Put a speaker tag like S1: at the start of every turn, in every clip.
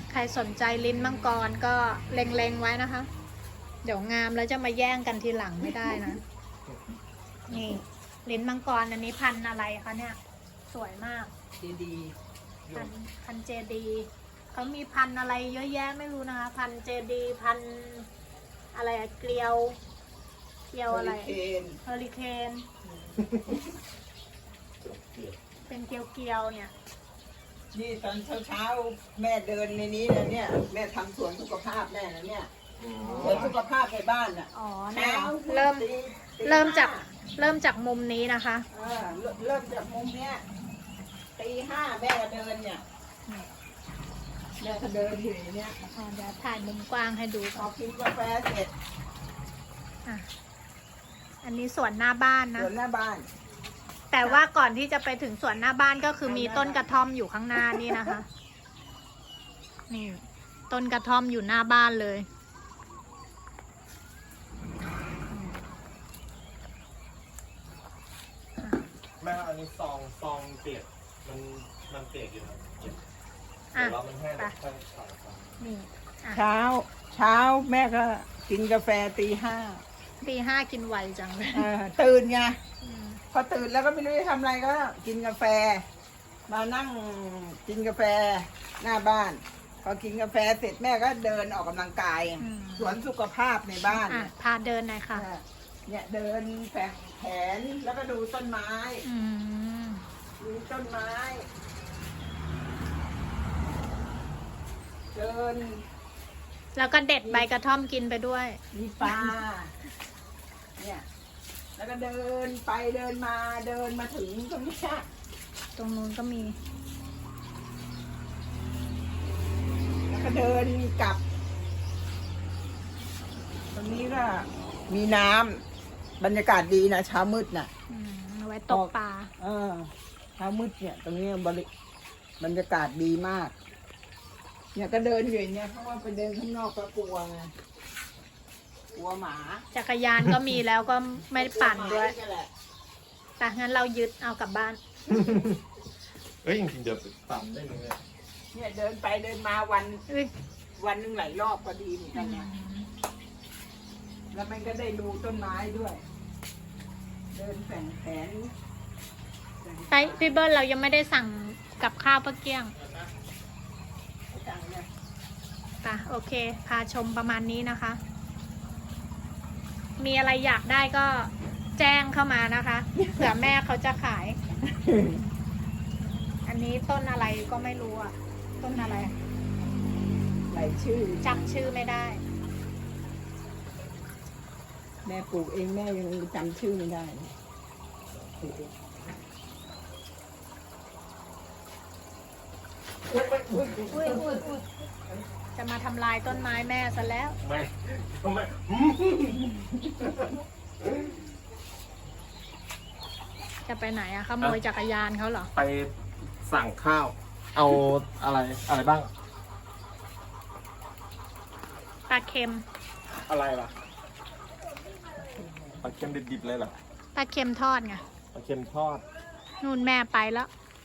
S1: ใครสนใจลิ้นมังกรก็เล็งๆไว้นะคะ เดี๋ยวงามแล้วจะมาแย่งกันทีหลังไม่ได้นะ นี่ลิ้นมังกรอันนี้พันธุ์อะไรคะเนี่ย สวยมาก
S2: ดี
S1: พันเจดีเขามีพันธุ์อะไรเยอะแยะไม่รู้นะคะ พันเจดีพันอะไรอะเกลียวอะไร
S2: เคน
S1: เฮอริเคนเป็นเกลียวเนี่ย
S2: นี่ตอนเช้าแม่เดินในนี้นะเนี่ยแม่ทำสวนสุขภาพแม่นะเนี่ยสวนสุขภาพในบ้านน่ะ
S1: อ๋อเนี่ย
S2: เช้า
S1: เริ่ม
S2: ตี
S1: เริ่มจากมุมนี้นะคะ
S2: เริ่มจากมุมเนี้ยตี 5แม่ก็เดินเนี่ยแม่ก็เดินอยู่อย่างเนี้ย
S1: เดี๋ยวถ่ายมุมกว้างให้ดู
S2: พ
S1: ก่
S2: อ
S1: อน
S2: กินกาแฟเสร็จ
S1: อ่ะอันนี้สวนหน้าบ้าน
S2: ส
S1: นะ
S2: วนหน้าบ้าน
S1: แต่ว่าก่อนที่จะไปถึงสวนหน้าบ้านก็คือมีต้นกระท่อมอยู่ข้างหน้านี่นะคะ นี่ ต้นกระท่อมอยู่หน้าบ้านเลย
S3: แม่อันนี้ซองเปียกมันเปียกอยู่นะ
S1: อ่ะ
S3: แต่ว่ามันแห้ง
S1: ไป
S3: แล้วค่อยใส่ไป
S1: นี่อ่ะ
S2: เช้าแม่ก็กินกาแฟตี 5
S1: ตี 5กินไวจังเลย
S2: ตื่นไง
S1: อืม
S2: พอตื่นแล้วก็ไม่รู้จะทำอะไรก็กินกาแฟ มานั่งกินกาแฟหน้าบ้าน พอกินกาแฟเสร็จแม่ก็เดินออกกำลังกาย สวนสุขภาพในบ้าน
S1: อ่ะ พาเดินหน่อยค่ะ
S2: เนี่ยเดินแฝงแขนแล้วก็ดูต้นไม้
S1: อืม
S2: ดูต้นไม้ เดิน
S1: แล้วก็เด็ดใบกระท่อมกินไปด้วย
S2: มีปลาเนี่ยแล้วก็เดินไปเดินมาเดินมาถึงตรงนี้
S1: ตรงนู้นก็มี
S2: แล้วก็เดินกลับ ตรงนี้ก็มีน้ำบรรยากาศดีนะเช้ามืดน่ะ
S1: เอาไว้ตกปลา
S2: เช้ามืดเนี่ย ตรงนี้บรรยากาศดีมาก เนี่ยก็เดินอยู่อย่างเงี้ยเพราะว่าไปเดินข้างนอกก็กลัวไงกลัวหมา
S1: จักรยานก็มีแล้วก็ไม่ได้ปั่นด้วย
S2: กลัหมาแหละ
S1: แต่งั้นเรายึดเอากลับบ้าน
S3: เอ้ยจริงๆเดี๋ยวตัดได้เลย
S2: เนี่ยเดินไปเดินมาวันหนึ่งหลายรอบก็ดีเหมือนกันเนี่ยแล้วมันก็ได้ดูต้นไม้ด้วย เดินแฝงแขน
S1: ไปพี่เบิ้ลเรายังไม่ได้สั่งกับข้าวปะเกี้ยง
S2: จังเนี่ย
S1: ป่ะโอเค พาชมประมาณนี้นะคะ มีอะไรอยากได้ก็แจ้งเข้ามานะคะ เผื่อแม่เขาจะขาย อันนี้ต้นอะไรก็ไม่รู้อ่ะ ต้นอะไร
S2: หลายชื่อ
S1: จำชื่อไม่ได้
S2: แม่ปลูกเองแม่ยังจำชื่อไม่ได้เลย
S1: จะมาทำลายต้นไม้แม่ซะแล้ว
S3: ไม่ทำไม
S1: จะไปไหนอะขโมยจักรยานเขาเหรอ
S3: ไปสั่งข้าว เอาอะไรบ้าง
S1: ปลาเค็ม
S3: อะไรล่ะปลาเค็มดิบๆเลยเหรอ
S1: ปลาเค็มทอดไง
S3: ปลาเค็มทอด
S1: นู่นแม่ไปแล้ว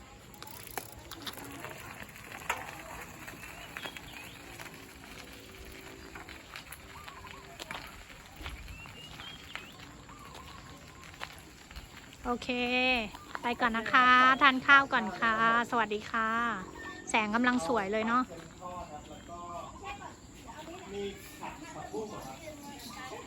S1: โอเค ไปก่อนนะคะ ทานข้าวก่อนค่ะ สวัสดีค่ะ แสงกำลังสวยเลยเนาะ
S3: มีผักบุ้งเหรอครับ